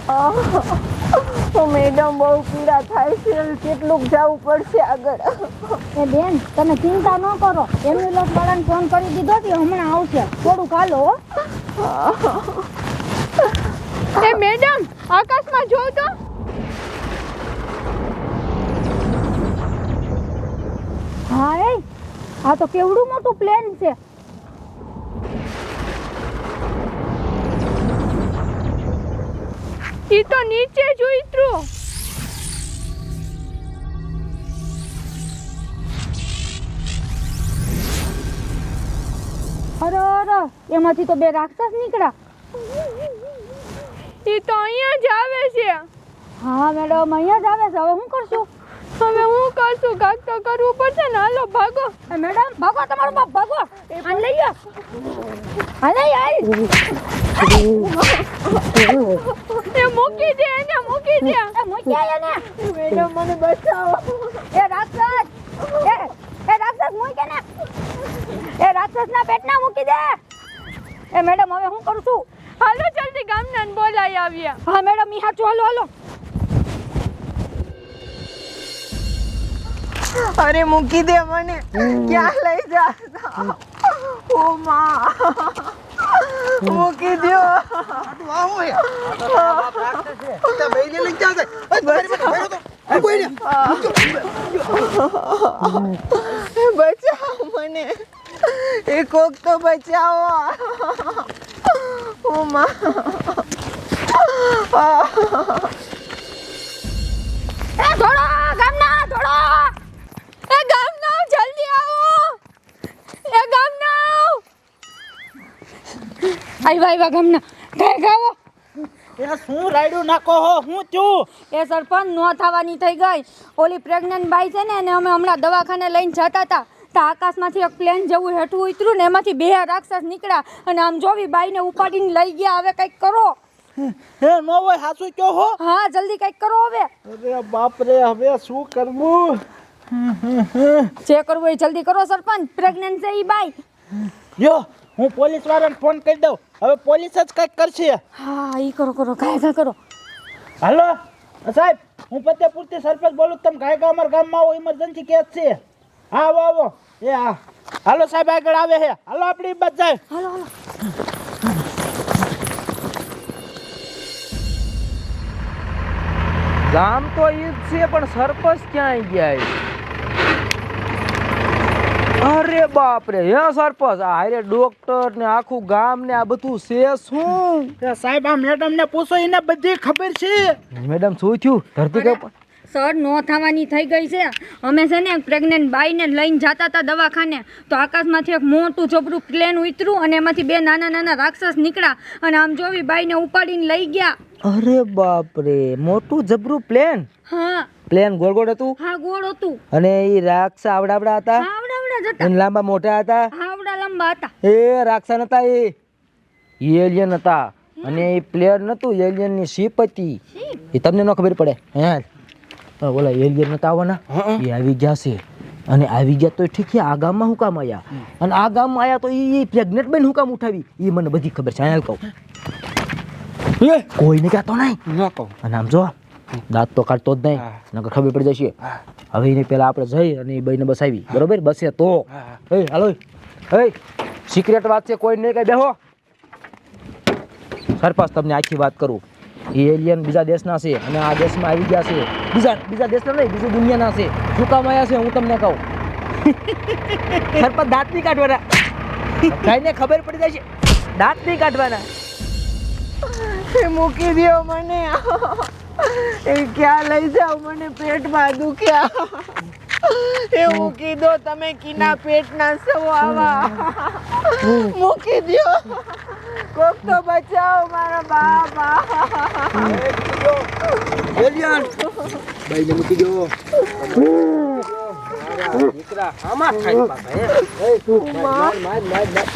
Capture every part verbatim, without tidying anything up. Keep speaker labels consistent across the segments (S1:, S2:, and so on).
S1: તો મેડમ બહુ પીડા થાય છે, કેટલુંક જવું પડશે આગળ.
S2: એ બેન તમે ચિંતા ન કરો, એમ્બ્યુલન્સ વાળાને ફોન કરી દીધો છે, હમણાં આવશે, થોડુંક હાલો.
S3: એ મેડમ આકાશમાં જોઉં તો.
S2: હા એ આ તો કેવડું મોટું પ્લેન છે.
S3: ઈ તો નીચે જ ઉતર્યું.
S2: અરે અરે એમાંથી તો બે રાક્ષસ નીકળ્યા.
S3: ઈ તો અહીંયા જ આવે છે.
S2: હા મેડમ અહીંયા જ આવે છે. હવે શું કરશું?
S3: હવે હું કરશું, કાક તો કરવું પડશે ને. હાલો ભાગો.
S2: એ મેડમ ભાગો, તમારો બાપ ભાગો. આને લઈ લો. હાલે યાર.
S3: એ મૂકી દે એને, મૂકી દે.
S2: એ મૂકી આયા ને.
S1: મેડમ મને બચાવો.
S2: એ રાક્ષસ એ એ રાક્ષસ મૂકી ને. એ રાક્ષસના પેટના મૂકી દે. એ મેડમ હવે હું કરું છું?
S3: હાલો જલ્દી ગામના બોલાઈ આવ્યા.
S2: હા મેડમ ઈ હાચું, હાલો હાલો.
S1: અરે મૂકી દે મને, ક્યાં લઈ જા? ઓ માં, મૂકી દો. બચાવો મને, એ કોક તો બચાવો. ઓ માં.
S2: એ ધોળો ગામના ધોળો.
S3: એ ગામના જલ્દી આવો. એ ગામના
S2: આવ્યા આવ્યા ગામના. ગાય ગાવો.
S4: એ શું રાયડું નાખો હો, હું છું?
S2: એ સરપંચ નો થવાની થઈ ગઈ. ઓલી પ્રેગ્નન્ટ બાઈ છે ને, એને અમે હમણાં દવાખાને લઈને જતા હતા. તો આકાશમાંથી એક પ્લેન જેવું હેઠું ઉતર્યું ને, એમાંથી બે રાક્ષસ નીકળ્યા અને આમ જોવી બાઈને ઉપાડીને લઈ ગયા. હવે કંઈક કરો.
S4: હે નો હોય, હાસુ કયો હો?
S2: હા જલ્દી કંઈક કરો હવે.
S4: અરે બાપ રે, હવે શું કરવું?
S2: જે કરવું એ જલ્દી કરો સરપંચ. પ્રેગ્નન્ટ છે ઈ બાઈ.
S4: જો હું પોલીસ વાળાને ફોન કરી દઉં, હવે પોલીસ જ કંઈક કરશે.
S2: હા ઈ કરો કરો, ગાય ગા કરો.
S4: હાલો સાહેબ, હું ફતેપુરથી સરપંચ બોલું. તમે ગાય ગા અમારા ગામમાં આવો, ઇમરજન્સી કેસ છે. હા આવો આવો. એ હા હાલો સાહેબ, આગળ આવે છે. હાલો આપણી બસ જાય.
S2: હાલો હાલો.
S5: ગામ તો ઈ જ છે, પણ સરપંચ ક્યાં ગયા? અરે બાપ રે, હે સરપંચ, આ હારે ડોક્ટર ને આખું ગામ ને આ બધું છે શું?
S4: એ સાહેબ આ મેડમ ને પૂછો, એને બધી ખબર છે.
S5: મેડમ શું થયું? ધરતી કપ
S2: સર નો થવાની થઈ ગઈ છે. અમે છે ને પ્રેગ્નન્ટ બાઈને લઈને જતા હતા દવાખાને, તો આકાશમાંથી એક મોટું જબરું પ્લેન ઉતર્યું અને એમાંથી બે નાના નાના રાક્ષસ નીકળ્યા અને આમ જોવી બાઈને ઉપાડીને લઈ ગયા.
S5: અરે બાપ રે, મોટું જબરું પ્લેન.
S2: હા
S5: પ્લેન ગોળ ગોળ હતું
S2: હા ગોળ હતું.
S5: અને ઈ રાક્ષસ આવડા આવડા હતા,
S2: આવડા જ હતા.
S5: અને લાંબા મોટા હતા.
S2: આવડા લંબા હતા.
S5: એ રાક્ષસ નતા, એ એલિયન હતા. અને એ પ્લેયર નતું, એલિયન ની શીપ હતી. એ તમને ન ખબર પડે? હે ઓલા એલિયન નતા આવવાના, એ આવી ગયા છે. અને આવી ગયા તો ઠીક છે, આ ગામમાં હું કામ આવ્યા? અને આ ગામમાં આવ્યા તો એ પ્રેગ્નેન્ટ બેન હું કામ ઉઠાવી? એ મને બધી ખબર છે. અહીંયા કહું કોઈને કહેતો નહીં. અને આમ જો દાંત તો કાઢતો જ નહીં, નકર ખબર પડી જશે. હવે એને પેલા આપણે જઈ અને એ બાઈને બસાવી, બરોબર? બસે તો એ હાલો, એ સિક્રેટ વાત છે, કોઈ નહીં કઈ. બેહો સરપંચ, તમને આખી વાત કરું. એ એલિયન બીજા દેશના છે અને આ દેશમાં આવી ગયા છે. બીજા બીજા દેશના નહીં, બીજી દુનિયાના છે. શું કામ આવ્યા છે હું તમને કહું. સરપંચ દાંત નહીં કાઢવાના, ભાઈને ખબર પડી જાય છે. દાંત નહીં કાઢવાના.
S1: એ મૂકી દો મને. એ ક્યાં લઈ જાવ મને? પેટમાં દુખ્યા. એ મૂકી દો, તમે કીના પેટના છો આવા. મૂકી દો, કોક તો બચાવો મારા બાપા.
S5: એલિયન ભાઈને મૂકી દો. દીકરા આમાં ખાઈ પાછા. હે માર માર માર માર.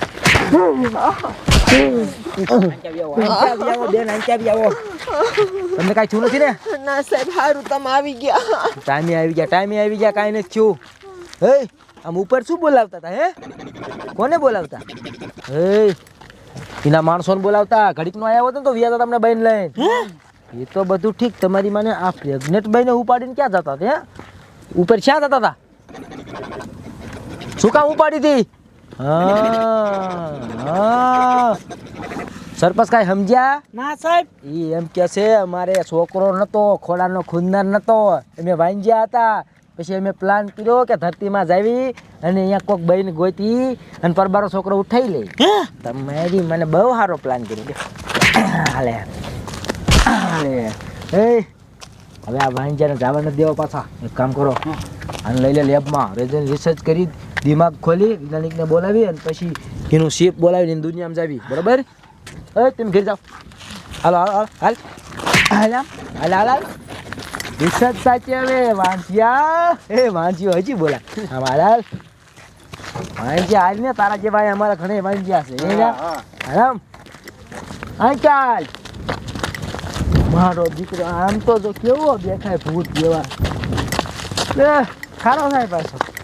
S5: તમને કઈ થયું નથી ને?
S1: ના સાહેબ, સારું તમે આવી ગયા.
S5: ટાઈમે આવી ગયા, ટાઈમે આવી ગયા, કાંઈ નથી થયું. હે આમ ઉપર શું બોલાવતા હતા? હે કોને બોલાવતા? હે એના માણસોને બોલાવતા ઘડીકનો આવ્યો હતો ને તો વ્યાજ તમને બહેન લઈને એ તો બધું ઠીક તમારી માને આ પ્રેગ્નેટ બહેને ઉપાડીને ક્યાં જતા હતા ઉપર ક્યાં જતા હતા શું કામ ઉપાડી હતી હા હા સરપંચ કાંઈ સમજ્યા
S4: ના સાહેબ
S5: એ એમ કે છે અમારે છોકરો નતો ખોડાનો ખૂનદાર નતો અમે વાંજ્યા હતા પછી અમે પ્લાન કર્યો કે ધરતીમાં જાવી અને અહીંયા કોઈક બહેન ગોતી અને પરબારો છોકરો ઉઠાઈ લે તમારી મને બહુ સારો પ્લાન કર્યો હાલે હાલે એ હવે આ વાંજ્યાને જવા નથી દેવા પાછા એક કામ કરો અને લઈ લે લેબમાં રેજન રિસર્ચ કરી દિમાગ ખોલી વૈજ્ઞાનિકને બોલાવી અને પછી એનું શેપ બોલાવીને એની દુનિયામાં જાવી બરાબર એ તમે ઘેર જાઓ હાલો હાલો હાલ હાલ હાલ હાલ હાલ હાલ રિસર્ચ સાચી હવે વાંચ્યા એ વાંચ્યો હજી બોલા આમ હાલ હાલ વાંચ્યા હાલ ને તારા જેવા અમારા ઘણા વાંચ્યા છે એ આરામ હા ચાલ મારો દીકરો આમ તો જો કેવો દેખાય ભૂત જેવા ખારો થાય પાછો